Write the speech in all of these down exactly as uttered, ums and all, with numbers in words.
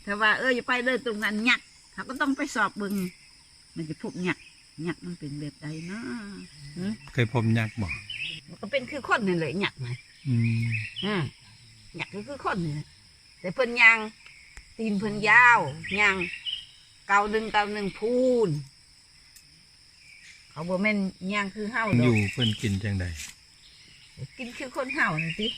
ถ้าว่าเอออย่าไปเลยตรงนั้นหยักเขาก็ต้องไปสอบบึงมันจะพบหยักหยักมันเป็นแบบใดเนาะเคยพบยักษ์บ่มันก็เป็นคือคนนี่เลยหยักไหมอืมอ่าหยักก็คือคนนี่แต่เพิ่นยางตีนเพิ่นยาวยางเกาหนึ่งเกาหนึ่งพูนเขาบอกแม่นยางคือเห่าดอกอยู่เพิ่นกินจังใดกินคือคนเห่าน่ะสิ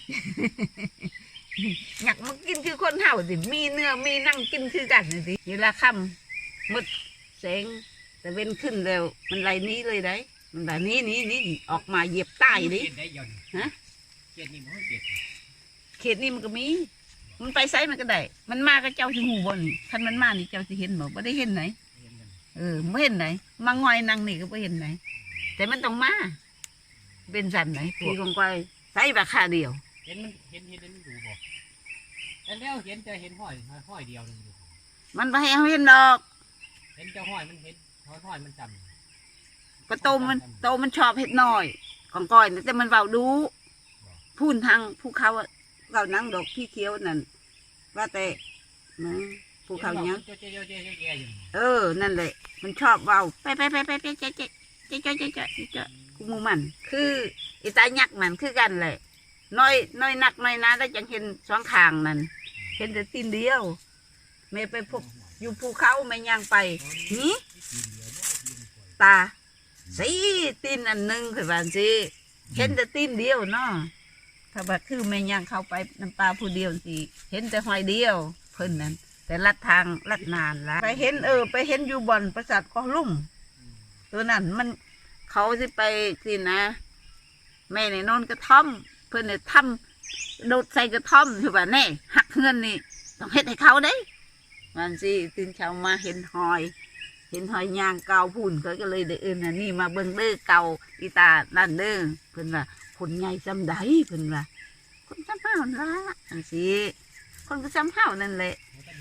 อยากมากินคือคนเห่าสิมีเนื้อมีนั่งกินคือกันน่ะสิเวลาค่ำมืดแสงแต่เว้นขึ้นแล้วมันไหลนี้เลยได้มันไหลนี้นี้นี้ออกมาเหยียบใต้ดิฮะเขตนี้มันเขตนี้มันก็มีมันไปไซมันก็ได้มันมาก็เจ้าสิหูบ่นี่ท่านมันมานี่เจ้าสิเห็นบ่บ่ได้เห็นไหนเออไม่เห็นไหนมางอยนั่งนี่ก็ไม่เห็นไหนแต่มันต้องมาเป็นสันไหนปีกองไปใส่ราคาเดียวเห็นมันเห็นเห็นมันดูบ่แล้วเห็นจะเห็นห้อยห้อยเดียวนึงอยู่มันไปให้เห็นดอกเห็นเจ้าห้อยมันเห็นห้อยห้อยมันจำก็โตมันโตมันชอบเห็ดน้อยของก้อยแต่มันเบาดูพูนทางภูเขาเรานั่งดอกพี่เคี้ยวนั่นว่าแต่ภูเขาเนี้ยเออนั่นแหละมันชอบเบาไปไปไปไปไปเจ๊เจ๊เจ๊เจ๊เจ๊เจ๊เจ๊กูมูมันคืออีตาหยักมันคือกันแหละน้อยน้อยนักน้อยนะได้จังเห็นสองข้างนั่นเห็นแต่ตีนเดียวเมย์ไปพบอยู่ภูเขาไม่ย่างไปนี่ตาสีตีนอันหนึ่งคือว่าสิเห็นแต่ตีนเดียวเนาะถ้าแบบคือไม่ย่างเข้าไปน้ำปลาผู้เดียวสิเห็นแต่หอยเดียวเพิ่นนั้นแต่ลัดทางลัดนานละไปเห็นเออไปเห็นอยู่บ่อนประสาทคอลุ่มตัวนั้นมันเขาสิไปสินะแม่ในนอนกระท่อมเพื่อนเนี่ยทำโดดใส่กระท่อมคือว่าแน่หักเงินนี่ต้องเฮ็ดให้เขาได้มันสิตื่นเช้ามาเห็นหอยเห็นหอยยางเกาพุ่นเขาก็เลยเดินนี่มาเบิ่งเด้อเกาอีตานั่นเด้อเพื่อนว่าคนใหญ่จำได้เพื่อนว่าคนจำเห่าละอันสิคนก็จำเห่านั่นแหละ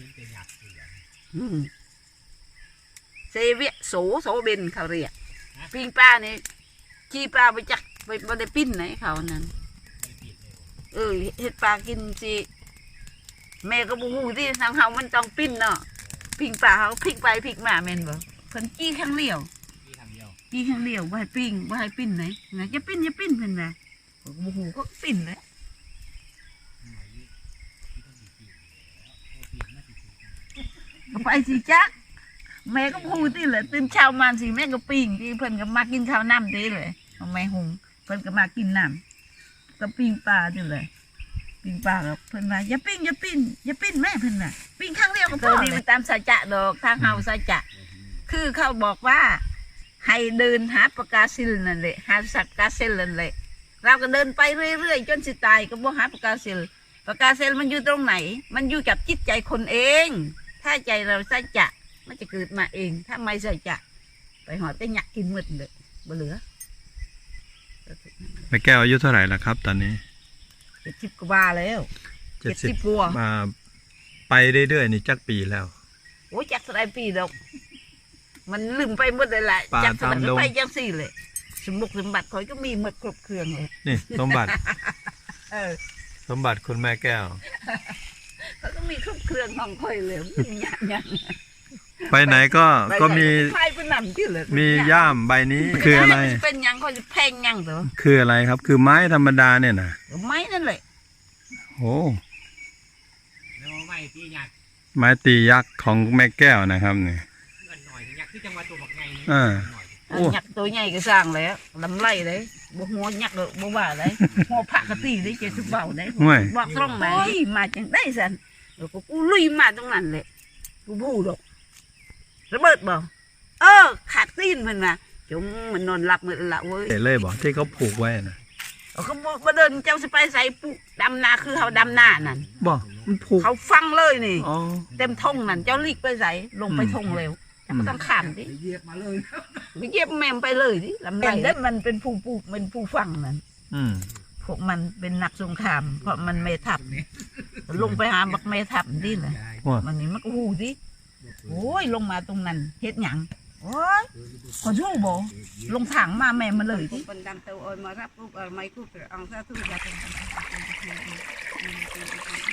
เซเวียโสโสเบนเขาเรียกปิ้งปลาเนี่ยชีปลาไปจักไปไปได้ปิ้นไหนเขานั่นเออเห็ดปลากินสิแม่ก็บูฮูที่ทางเขามันต้องปิ้นเนาะปิ้งปลาเขาพลิกไปพลิกมาแม่นบ่คนจี้ข้างเลี้ยวจี้ข้างเลี้ยวว่าให้ปิ้งว่าให้ปิ้นไหนไหนจะปิ้นจะปิ้นเป็นไงบูฮูก็ปิ้นเลยไปสิจักแม่ก็พูดที่เลยตื่นเช้ามาสิแม่ก็ปิ้งที่เพิ่นก็มากินข้าวน้ำที่เลยแม่หุงเพิ่นก็มากินน้ำก็ปิ้งปลาที่เลยปิ้งปลากับเพิ่นว่าอย่าปิ้งอย่าปิ้งอย่าปิ้งแม่เพิ่นน่ะปิ้งข้างเดียวก็พอเลยตามสัจจะดอกทางเฮาสัจจะคือเขาบอกว่าให้เดินหาปากกาซิลนั่นแหละหาสัตว์กาซิลนั่นแหละเราก็เดินไปเรื่อยๆจนสิตายก็บ่หาปากกาซิลปากกาซิลมันอยู่ตรงไหนมันอยู่กับจิตใจคนเองถ้าใจเราสัจจะมันจะเกิดมาเองถ้าไม่ใส่จะไปหอแต่หยักกินหมดเลยบ่เหลือแม่แก้วอายุเท่าไหร่ละครับตอนนี้เจ็ดสิบกว่าแล้วเจ็ดสิบกว่ามาไปเรื่อยๆนี่จักปีแล้วโอ้จักสลายปีดอกมันลืมไปหมดเลยแหละจักสลายไปจังสี่เลยสมบุกสมบัติคอยก็มีหมดครบเครื่องเลยนี่สมบัติสมบัติคุณแม่แก้วเขาก็มีครบเครื่องของคอยเลยมีอย่างอย่างไปไหนก็ก็มีมีย่ามใบนี้คืออะไรเป็นยังเขาจะแพงยังเหรอคืออะไรครับคือไม้ธรรมดาเนี่ยนะไม้นั่นแหละโอ้ไม้ตียักษ์ไม้ตียักษ์ของแม่แก้วนะครับเนี่ยยักษ์ที่จังหวัดตัวบักไงอ่ายักษ์ตัวใหญ่ก็สร้างแล้วลำไรเลยบ่หัวยักษ์เลยบ่ว่าเลยหัวผักกะตีได้เจ็ดสิบเบาได้บอกตรงไหนมาจังได้สันแล้วก็กูลุยมาตรงนั้นเลยกูพูดหรอกระเบิดบ่เออขาดตีนมันนะจงมันนอนหลับเหมือนละเว้ยเลยบอกที่เขาผูกไว้นะเขาบอกมาเดินเจ้าสไปใส่ปุ๊ดำนาคือเขาดำนานั่นบอกมันผูกเขาฟังเลยนี่เต็มทงนั่นเจ้าลีกไปใส่ลงไปทงเร็วจะไม่ต้องขามดิเหยียบมาเลยเหยียบแมมไปเลยดิลำไรได้มันเป็นผู้ผู้เป็นผู้ฟังนั่นพวกมันเป็นนักสงครามเพราะมันเมทับลงไปหาบักเมทับดิเลยมันนี่มันก็หูดิโอ้ยลงมาตรงนั้นเฮ็ดหยังโอ้ยขอชู้บ่ลงถังมาแม่มาเลยที่คนดำเตาออยมารับลูกเออไม่คู่กับอังซาทุ่งยาเป็น